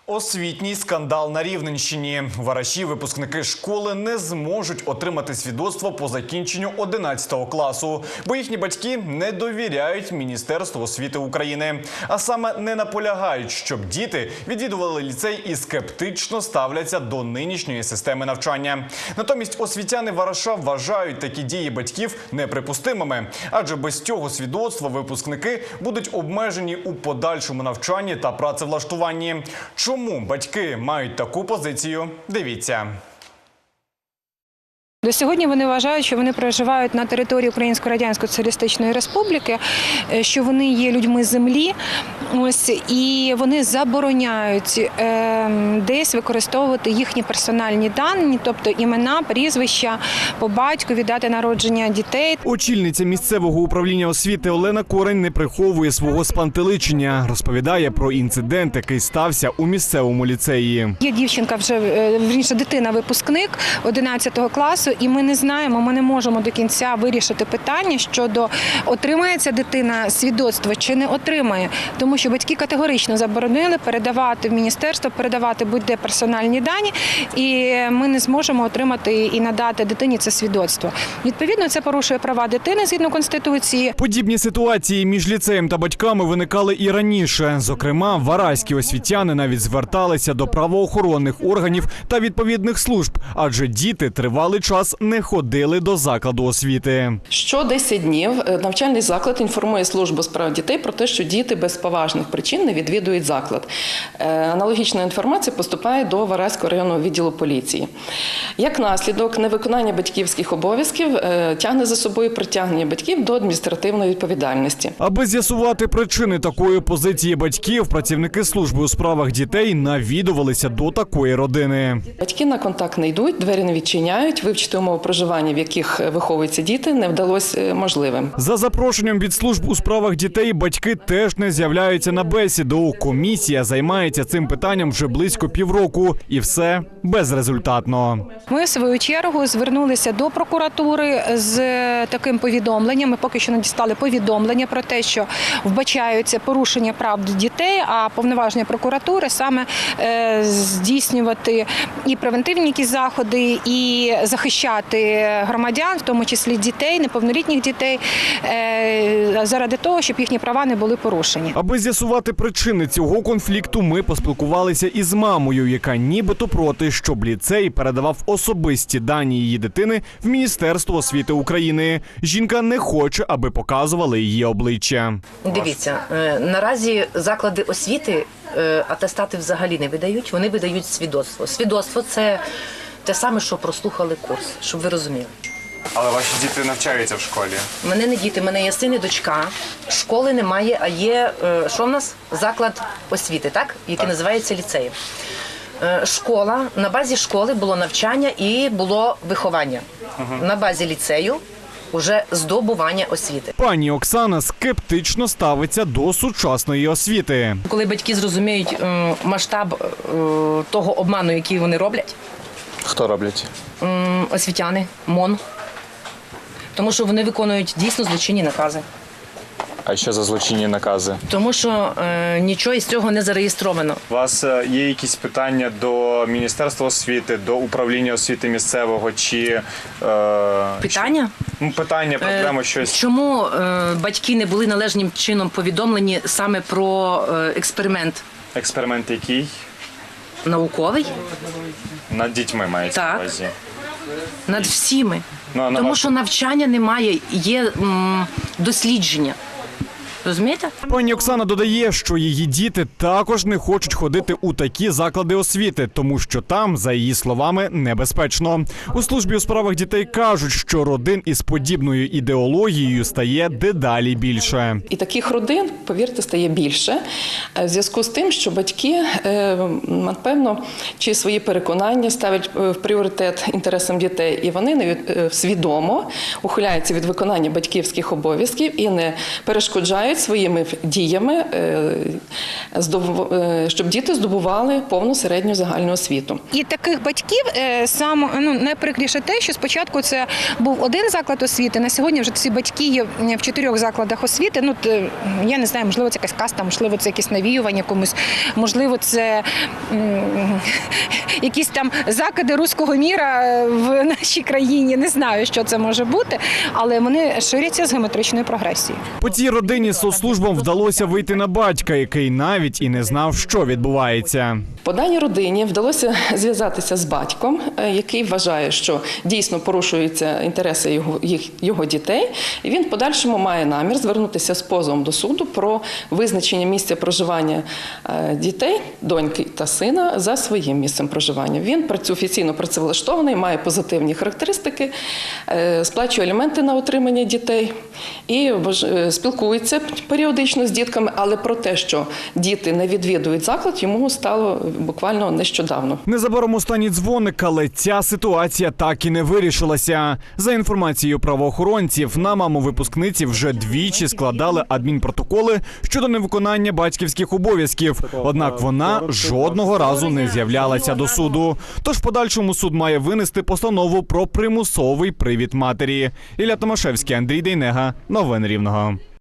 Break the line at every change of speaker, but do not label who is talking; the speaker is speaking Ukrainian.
Освітній скандал на Рівненщині. Вараші, випускники школи, не зможуть отримати свідоцтво по закінченню 11 класу, бо їхні батьки не довіряють Міністерству освіти України. А саме не наполягають, щоб діти відвідували ліцей і скептично ставляться до нинішньої системи навчання. Натомість освітяни Вараша вважають такі дії батьків неприпустимими, адже без цього свідоцтва випускники будуть обмежені у подальшому навчанні та працевлаштуванні. Чому батьки мають таку позицію? Дивіться.
До сьогодні вони вважають, що вони проживають на території Української Радянської Соціалістичної Республіки, що вони є людьми землі, і вони забороняють десь використовувати їхні персональні дані, тобто імена, прізвища, по батькові, дати народження дітей.
Очільниця місцевого управління освіти Олена Корень не приховує свого спантеличення. Розповідає про інцидент, який стався у місцевому ліцеї.
Є дівчинка, дитина-випускник 11 класу, і ми не знаємо, ми не можемо до кінця вирішити питання щодо отримає ця дитина свідоцтво чи не отримає. Тому що батьки категорично заборонили передавати в міністерство, передавати будь-де персональні дані, і ми не зможемо отримати і надати дитині це свідоцтво. Відповідно, це порушує права дитини згідно Конституції.
Подібні ситуації між ліцеєм та батьками виникали і раніше. Зокрема, вараські освітяни навіть зверталися до правоохоронних органів та відповідних служб, адже діти тривалий час не ходили до закладу освіти.
Що 10 днів навчальний заклад інформує службу справ дітей про те, що діти без поважних причин не відвідують заклад. Аналогічна інформація поступає до Вараського районного відділу поліції. Як наслідок, невиконання батьківських обов'язків тягне за собою притягнення батьків до адміністративної відповідальності.
Аби з'ясувати причини такої позиції батьків, працівники служби у справах дітей навідувалися до такої родини.
Батьки на контакт не йдуть, двері не відчиняють, вивчити умови проживання, в яких виховуються діти, не вдалося можливим.
За запрошенням від служб у справах дітей батьки теж не з'являються на бесіду. Комісія займається цим питанням вже близько півроку. І все безрезультатно.
Ми, в свою чергу, звернулися до прокуратури з таким повідомленням. Ми поки що не дістали повідомлення про те, що вбачаються порушення прав дітей, а повноваження прокуратури саме здійснювати і превентивні якісь заходи, і захищати громадян, в тому числі дітей, неповнолітніх дітей, заради того, щоб їхні права не були порушені.
Аби з'ясувати причини цього конфлікту, ми поспілкувалися із мамою, яка нібито проти, щоб ліцей передавав особисті дані її дитини в Міністерство освіти України. Жінка не хоче, аби показували її обличчя.
Дивіться, наразі заклади освіти атестати взагалі не видають, вони видають свідоцтво. Свідоцтво – це те саме, що прослухали курс, щоб ви розуміли.
Але ваші діти навчаються в школі?
У мене не діти, у мене є син і дочка. Школи немає, а є, що в нас? Заклад освіти, так? Який називається ліцеєм. Школа, на базі школи було навчання і було виховання. На базі ліцею уже здобування освіти.
Пані Оксана скептично ставиться до сучасної освіти.
Коли батьки зрозуміють масштаб того обману, який вони роблять.
Хто роблять?
Освітяни, МОН. Тому що вони виконують дійсно злочинні накази.
А що за злочинні накази?
Тому що нічого із цього не зареєстровано.
У вас є якісь питання до Міністерства освіти, до управління освіти місцевого чи…
Питання?
Питання, проблема, щось.
Чому батьки не були належним чином повідомлені саме про експеримент?
Експеримент який?
Науковий?
Над дітьми мається на
Так.
увазі.
Над всіми.
Ну,
Тому що навчання немає, є дослідження. Розумієте?
Пані Оксана додає, що її діти також не хочуть ходити у такі заклади освіти, тому що там, за її словами, небезпечно. У службі у справах дітей кажуть, що родин із подібною ідеологією стає дедалі більше.
І таких родин, повірте, стає більше в зв'язку з тим, що батьки, напевно, чи свої переконання ставлять в пріоритет інтересам дітей, і вони свідомо ухиляються від виконання батьківських обов'язків і не перешкоджають сприяють своїми діями, щоб діти здобували повну середню загальну освіту.
І таких батьків найприкріше те, що спочатку це був один заклад освіти, на сьогодні вже ці батьки є в 4 закладах освіти. Я не знаю, можливо, це якась каста, можливо, це якесь навіювання комусь, можливо, це якісь там закиди руського міра в нашій країні. Не знаю, що це може бути, але вони ширяться з геометричною прогресією.
По цій родині соцслужбам вдалося вийти на батька, який навіть і не знав, що відбувається.
По даній родині вдалося зв'язатися з батьком, який вважає, що дійсно порушуються інтереси його дітей, і він в подальшому має намір звернутися з позовом до суду про визначення місця проживання дітей, доньки та сина за своїм місцем проживання. Він офіційно працевлаштований, має позитивні характеристики, сплачує аліменти на утримання дітей і спілкується періодично з дітками, але про те, що діти не відвідують заклад, йому стало буквально нещодавно.
Незабаром останній дзвоник, але ця ситуація так і не вирішилася. За інформацією правоохоронців, на маму випускниці вже двічі складали адмінпротоколи щодо невиконання батьківських обов'язків. Однак вона жодного разу не з'являлася до суду. Тож в подальшому суд має винести постанову про примусовий привід матері. Ілля Томашевський, Андрій Дейнега. Новини Рівного.